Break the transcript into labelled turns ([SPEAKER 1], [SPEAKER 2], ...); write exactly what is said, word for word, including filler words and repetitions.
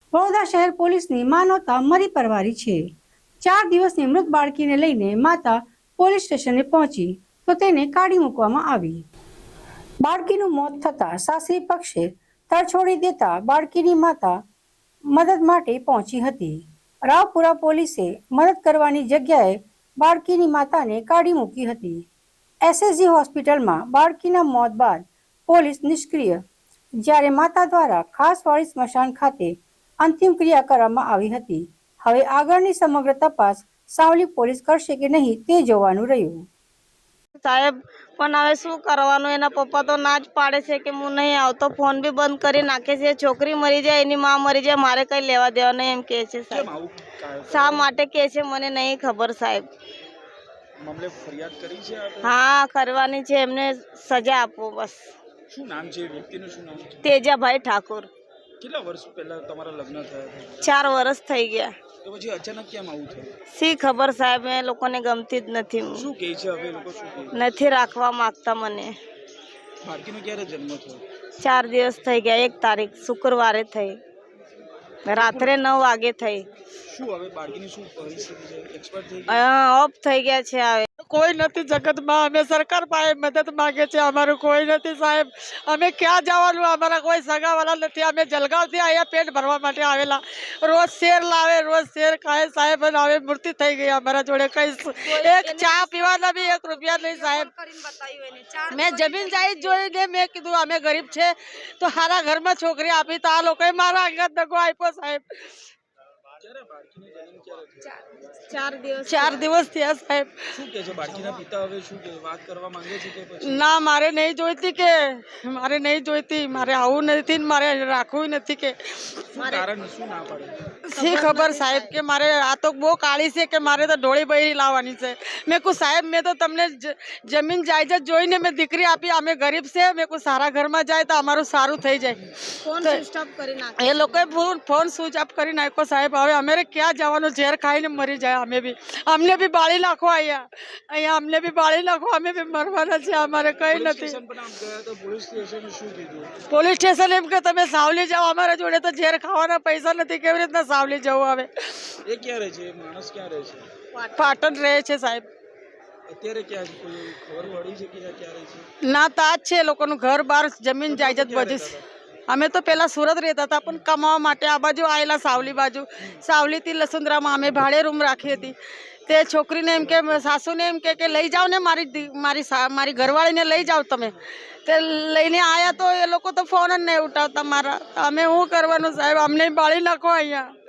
[SPEAKER 1] વડોદરા શહેર પોલીસની માનવતા મરી પરવારી છે। ચાર દિવસની મૃત બાળકીને લઈને માતા પોલીસ સ્ટેશને પહોંચી તો તેને કાઢી મૂકવામાં આવી। બાળકીનું મોત થતાં સાસરી પક્ષે તરછોડી દેતા બાળકીની માતા મદદ માટે પહોંચી હતી। રાવપુરા પોલીસે મદદ કરવાની જગ્યાએ બાળકીની માતાને કાઢી મૂકી હતી। એસએસજી હોસ્પિટલમાં બાળકીના મોત બાદ પોલીસ નિષ્ક્રિય, જ્યારે માતા દ્વારા ખાસવાડી સ્મશાન ખાતે અંતિમ ક્રિયા કરવામાં આવી હતી। હવે આગળની સમગ્ર તપાસ સાવલી પોલીસ કરશે કે નહીં તે જોવાનું રહ્યું।
[SPEAKER 2] સાહેબ પણ હવે શું કરવાનું, એના પપ્પા તો ના જ પાડે છે કે હું નહીં આવતો, ફોન બી બંધ કરી નાખે છે। છોકરી મરી જાય, એની માં મરી જાય, મારે કઈ લેવા દેવા નહીં એમ કહે છે સાહેબ। શા માટે કહે છે મને નહીં ખબર સાહેબ।
[SPEAKER 3] મામલે ફરિયાદ કરી છે આપે?
[SPEAKER 2] હા કરવાની છે, એમને સજા આપો બસ।
[SPEAKER 3] શું નામ છે વ્યક્તિનું? શું નામ છે?
[SPEAKER 2] તેજાભાઈ ઠાકોર।
[SPEAKER 3] કેટલા વર્ષ પહેલા તમારા લગ્ન થયા હતા?
[SPEAKER 2] ચાર વર્ષ થઈ ગયા।
[SPEAKER 3] તો પછી અચાનક કેમ આવું થયું?
[SPEAKER 2] શી ખબર સાહેબ, એ લોકોને ગમતી જ નથી।
[SPEAKER 3] શું કહે છે હવે લોકો? શું કહે?
[SPEAKER 2] નથી રાખવા માંગતા મને।
[SPEAKER 3] બાળકીનો ક્યારે જન્મ થયો?
[SPEAKER 2] ચાર દિવસ થઈ ગયા, એક તારીખ શુક્રવારે થઈ, રાત્રે નવ વાગે થઈ।
[SPEAKER 3] શું હવે બાળકીની શું પરિસ્થિતિ છે? એક્સપર્ટ થઈ
[SPEAKER 2] ગયા, ઓફ થઈ ગયા છે। હવે
[SPEAKER 4] કોઈ નથી જગતમાં, અમે સરકાર પાસે મદદ માંગે છે, અમારું કોઈ નથી સાહેબ। અમે ક્યાં જવાનું, અમારા કોઈ સગાવાલા નથી। અમે જલગાંવથી અહીંયા પેટ ભરવા માટે આવેલા, રોજ શેર લાવે, રોજ શેર ખાય સાહેબ। અને હવે મૃત્યુ થઈ ગઈ અમારા જોડે, કઈ એક ચા પીવાના બી એક રૂપિયા નહીં સાહેબ। મેં જમીન જાહેર જોઈને મેં કીધું અમે ગરીબ છે તો સારા ઘરમાં છોકરી આપી, તો આ લોકોએ મારા અંગત દગો આપ્યો સાહેબ।
[SPEAKER 2] ચાર દિવસ
[SPEAKER 4] ચાર દિવસ થયા સાહેબ।
[SPEAKER 3] શું કહે છે બાળકીના પિતા? હવે શું કહે, વાત કરવા માંગે છે કે પછી?
[SPEAKER 4] ના, મારે નહીં જોઈતી, કે મારે નહીં જોઈતી, મારે આવું નથી, મારે રાખવું નથી કે
[SPEAKER 3] કારણ શું ના પાડે?
[SPEAKER 4] શી ખબર સાહેબ, કે મારે આ તો બહુ કાળી છે, કે મારે તો ઢોળી બૈરી લાવવાની છે। મેં કહું સાહેબ, મેં તો તમને જમીન જાયદાદ જોઈને મેં દીકરી આપી, અમે ગરીબ છે, મેં કહું સારા ઘરમાં જાય તો અમારું સારું થઈ જાય।
[SPEAKER 2] ફોન સ્વિચ ઓફ કરી નાખ્યો,
[SPEAKER 4] એ લોકોએ ફોન ફોન સ્વિચ ઓફ કરી નાખ્યો સાહેબ। હવે અમે ક્યાં જવાનું, ઝેર ખાઈને મરી જાય અમે બી, અમને બી બાળી નાખો અહીંયા, અહીંયા અમને બી બાળી નાખો, અમે બી મરવાના છે, અમારે કઈ નથી। પોલીસ સ્ટેશન એમ કે તમે સાવલી જાઓ, અમારા જોડે તો ઝેર ખાવાના પૈસા નથી, કેવી રીતના સાવલી જવું હવે?
[SPEAKER 3] એ ક્યાં રહે છે? માણસ ક્યાં રહે છે?
[SPEAKER 4] પાટણ રહે છે સાહેબ।
[SPEAKER 3] અત્યારે ક્યાં છે? કોઈ ખબર પડી છે કે ક્યાં રહે છે?
[SPEAKER 4] ના, તાજ છે લોકોનું ઘર બાર, જમીન જાયદાદ બધું। અમે તો પેલા સુરત રહેતા હતા, પણ કમાવા માટે આ બાજુ આવેલા, સાવલી બાજુ। સાવલીથી લસુંદરામાં અમે ભાડે રૂમ રાખી હતી। તે છોકરીને એમ કે, સાસુને એમ કે લઈ જાઓ ને, મારી મારી મારી ઘરવાળીને લઈ જાઓ તમે। તે લઈને આવ્યા તો એ લોકો તો ફોન જ નહીં ઉઠાવતા મારા। અમે શું કરવાનું સાહેબ, અમને બાળી નાખો અહીંયા।